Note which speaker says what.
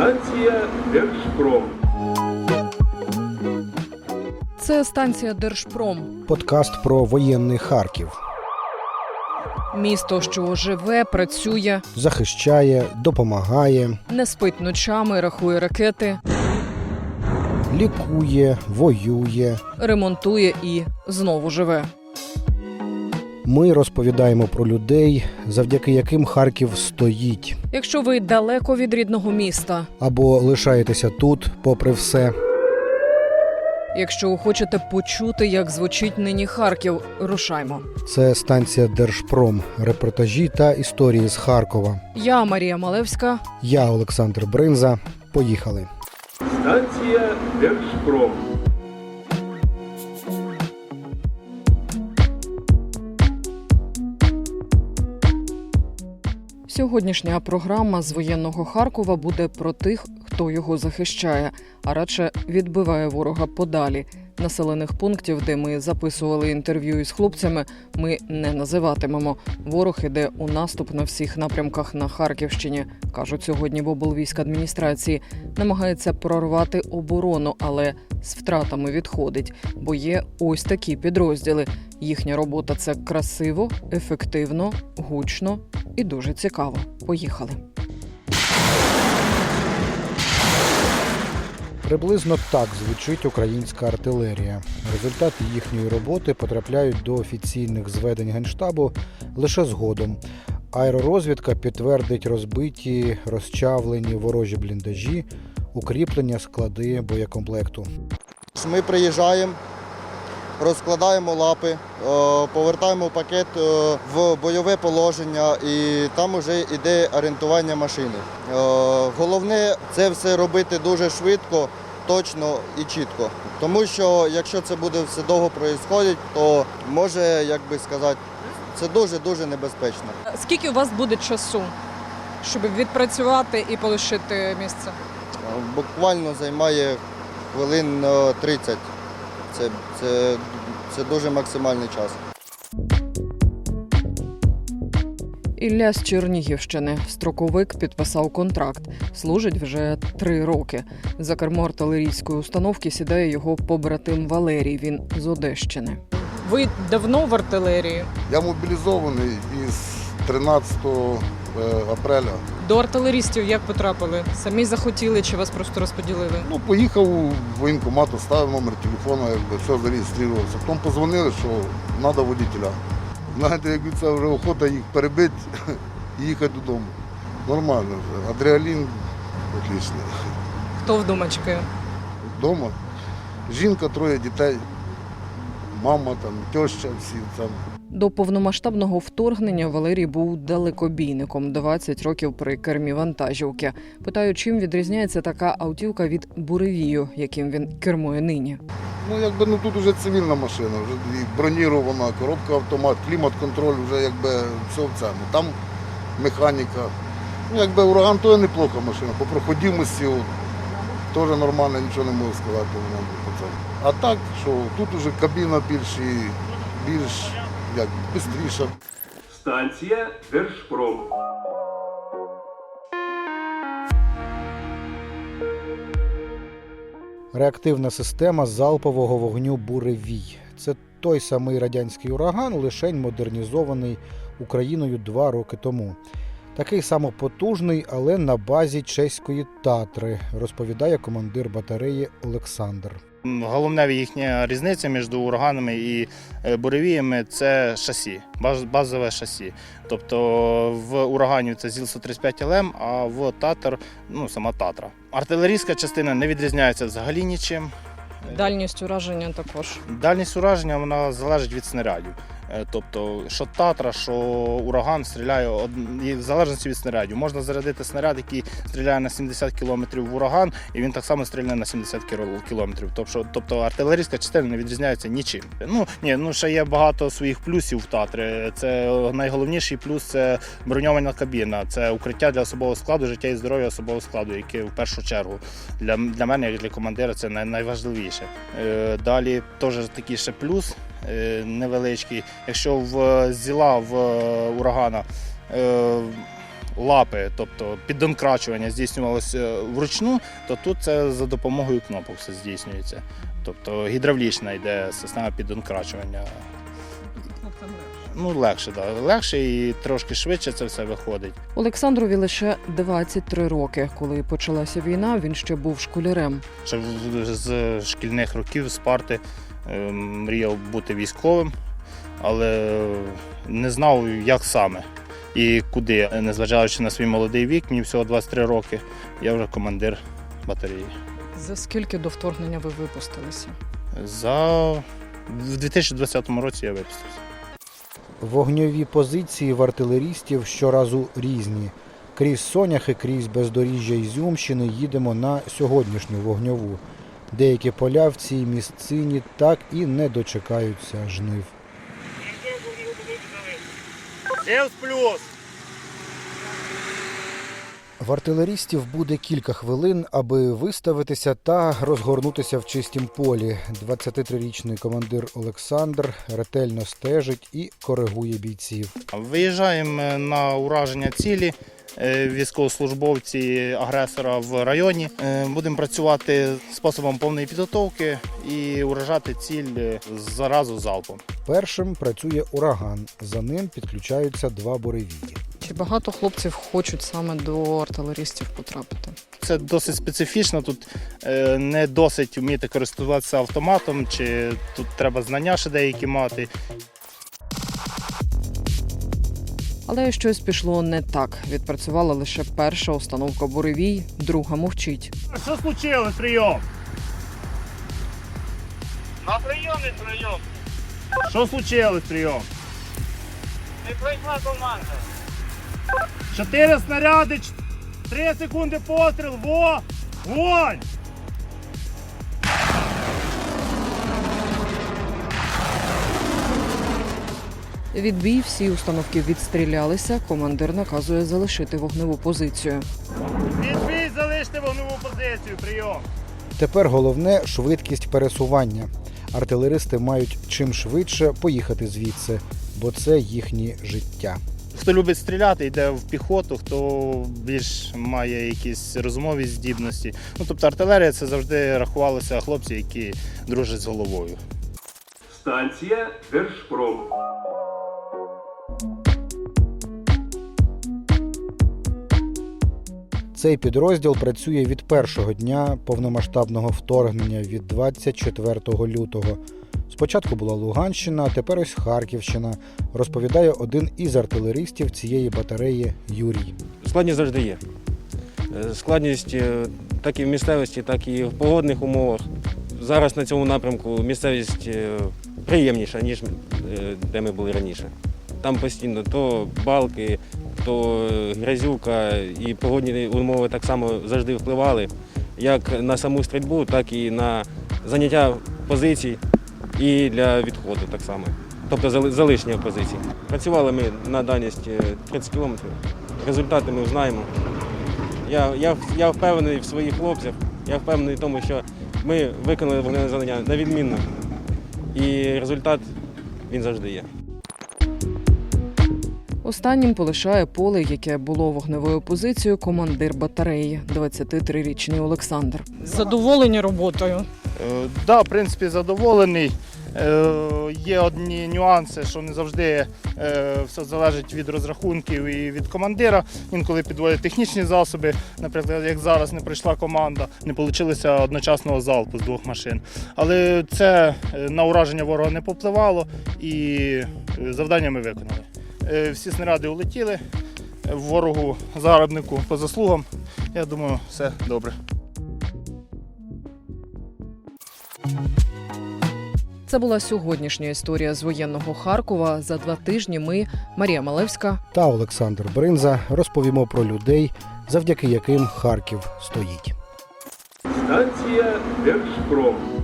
Speaker 1: Станція Держпром.
Speaker 2: Це станція Держпром.
Speaker 3: Подкаст про воєнний Харків.
Speaker 2: Місто, що живе, працює,
Speaker 3: Захищає, допомагає,
Speaker 2: не спить ночами, рахує ракети,
Speaker 3: лікує, воює.
Speaker 2: ремонтує і знову живе.
Speaker 3: Ми розповідаємо про людей, завдяки яким Харків стоїть.
Speaker 2: Якщо ви далеко від рідного міста,
Speaker 3: Або лишаєтеся тут, попри все.
Speaker 2: якщо хочете почути, як звучить нині Харків, рушаймо.
Speaker 3: Це станція Держпром. Репортажі та історії з Харкова.
Speaker 2: Я Марія Малевська.
Speaker 3: Я Олександр Бринза. Поїхали.
Speaker 1: Станція Держпром.
Speaker 2: Сьогоднішня програма з воєнного Харкова буде про тих, хто його захищає, а радше відбиває ворога подалі. Населених пунктів, де ми записували інтерв'ю із хлопцями, ми не називатимемо. Ворог іде у наступ на всіх напрямках на Харківщині, кажуть сьогодні в облвійськадміністрації. Намагається прорвати оборону, але з втратами відходить, бо є ось такі підрозділи. Їхня робота – це красиво, ефективно, гучно і дуже цікаво. Поїхали.
Speaker 3: Приблизно так звучить українська артилерія. Результати їхньої роботи потрапляють до офіційних зведень Генштабу лише згодом. Аеророзвідка підтвердить розбиті, розчавлені ворожі бліндажі, укріплення, склади боєкомплекту.
Speaker 4: Ми приїжджаємо, розкладаємо лапи, повертаємо пакет в бойове положення і там вже йде орієнтування машини. Головне це все робити дуже швидко, точно і чітко. Тому що якщо це буде все довго відбуватися, то може, як би сказати, це дуже-дуже небезпечно.
Speaker 2: Скільки у вас буде часу, щоб відпрацювати і полишити місце?
Speaker 4: Буквально займає хвилин 30. Це дуже максимальний час.
Speaker 2: Ілля з Чернігівщини. Строковик підписав контракт. Служить вже 3 роки. За кермо артилерійської установки сідає його побратим Валерій. Він з Одещини. Ви давно в артилерії?
Speaker 5: Я мобілізований із 13 апреля.
Speaker 2: До артилерістів як потрапили? Самі захотіли чи вас просто розподілили?
Speaker 5: Поїхав у воєнкомат, оставив номер телефону, все зареєструвався. Потім позвонили, що треба водителя. Знаєте, як це вже охота їх перебити і їхати додому. Нормально вже. Адреналін отличний.
Speaker 2: Хто вдома чекає?
Speaker 5: Вдома. Жінка, 3 дітей, мама, теща, всі там.
Speaker 2: До повномасштабного вторгнення Валерій був далекобійником, 20 років при кермі вантажівки. Питаю, чим відрізняється така автівка від буревію, яким він кермує нині.
Speaker 5: Тут вже цивільна машина, вже і бронірована, коробка автомат, клімат-контроль, вже все в цьому. Там механіка. Ураган то неплоха машина, по проходимості теж нормально, нічого не можу сказати. А так, що тут вже кабіна більш швидше.
Speaker 1: Станція Держпром.
Speaker 3: Реактивна система залпового вогню «Буревій». Це той самий радянський ураган, лишень модернізований Україною 2 роки тому. Такий самопотужний, але на базі чеської «Татри», розповідає командир батареї Олександр.
Speaker 6: Головна їхня різниця між ураганами і буревіями – це шасі, базове шасі. Тобто в урагані це ЗІЛ-135ЛМ, а в Татр – сама Татра. Артилерійська частина не відрізняється взагалі нічим.
Speaker 2: Дальність ураження також.
Speaker 6: Дальність ураження вона залежить від снарядів. Тобто, що Татра, що ураган стріляє в залежності від снарядів. Можна зарядити снаряд, який стріляє на 70 км в ураган, і він так само стріляє на 70 км. Тобто артилерійська частина не відрізняється нічим. Ще є багато своїх плюсів в Татри. Це найголовніший плюс – це броньована кабіна, це укриття для особового складу, життя і здоров'я особового складу, яке в першу чергу для мене, як для командира, це найважливіше. Далі теж такий ще плюс невеличкий. Якщо в ЗІЛа, в урагана лапи, тобто піддонкрачування здійснювалося вручну, то тут це за допомогою кнопок все здійснюється. Тобто гідравлічна йде система піддонкрачування. Ну, легше, так. Легше і трошки швидше це все виходить.
Speaker 2: Олександрові лише 23 роки. Коли почалася війна, він ще був школярем.
Speaker 6: Ще з шкільних років, з парти, мріяв бути військовим, але не знав, як саме і куди. Незважаючи на свій молодий вік, мені всього 23 роки, я вже командир батареї.
Speaker 2: За скільки до вторгнення ви випустилися?
Speaker 6: В 2020 році я випустився.
Speaker 3: Вогньові позиції в артилерістів щоразу різні. Крізь Соняхи, крізь бездоріжжя Ізюмщини їдемо на сьогоднішню вогньову. Деякі поля в цій місцині так і не дочекаються жнив.
Speaker 6: плюс!
Speaker 3: В артилерістів буде кілька хвилин, аби виставитися та розгорнутися в чистім полі. 23-річний командир Олександр ретельно стежить і коригує бійців.
Speaker 6: Виїжджаємо на ураження цілі, військовослужбовці агресора в районі. Будемо працювати способом повної підготовки і уражати ціль заразу залпом.
Speaker 3: Першим працює ураган, за ним підключаються два буревії.
Speaker 2: Чи багато хлопців хочуть саме до артилерістів потрапити?
Speaker 6: Це досить специфічно, тут не досить вміти користуватися автоматом, чи тут треба знання ще деякі мати.
Speaker 2: Але щось пішло не так. Відпрацювала лише перша установка буревій, друга мовчить.
Speaker 6: Що случилось, прийом?
Speaker 7: На прийомі прийом.
Speaker 6: Що случилось, прийом?
Speaker 7: Не прийшла команда.
Speaker 6: 4 снаряди, 3 секунди постріл, вогонь!
Speaker 2: Відбій, всі установки відстрілялися, командир наказує залишити вогневу позицію.
Speaker 6: Відбій, залиште вогневу позицію, прийом!
Speaker 3: Тепер головне – швидкість пересування. Артилеристи мають чим швидше поїхати звідси, бо це їхнє життя.
Speaker 6: Хто любить стріляти, йде в піхоту, хто більш має якісь розумові здібності. Ну, тобто артилерія – це завжди рахувалося хлопці, які дружать з головою.
Speaker 1: Станція Держпром.
Speaker 3: Цей підрозділ працює від першого дня повномасштабного вторгнення, від 24 лютого. Спочатку була Луганщина, а тепер ось Харківщина, розповідає один із артилеристів цієї батареї Юрій.
Speaker 8: Складність завжди є. Складність так і в місцевості, так і в погодних умовах. Зараз на цьому напрямку місцевість приємніша, ніж де ми були раніше. Там постійно то балки, то грязюка і погодні умови так само завжди впливали, як на саму стрільбу, так і на заняття позицій і для відходу так само. Тобто залишення позицій. Працювали ми на дальність 30 кілометрів. Результати ми знаємо. Я впевнений в своїх хлопцях, я впевнений в тому, що ми виконали вогневе завдання на відмінно. І результат, він завжди є.
Speaker 2: Останнім полишає поле, яке було вогневою позицією, командир батареї, 23-річний Олександр. Задоволені роботою?
Speaker 6: Так, в принципі, задоволений. Є одні нюанси, що не завжди все залежить від розрахунків і від командира. Інколи підводять технічні засоби, наприклад, як зараз не прийшла команда, не вийшло одночасного залпу з 2 машин. Але це на ураження ворога не попливало і завдання ми виконали. Всі снаряди улетіли, ворогу загарбнику по заслугам. Я думаю, все добре.
Speaker 2: Це була сьогоднішня історія з воєнного Харкова. За 2 тижні ми, Марія Малевська
Speaker 3: Та Олександр Бринза розповімо про людей, завдяки яким Харків стоїть.
Speaker 1: Станція Держпром.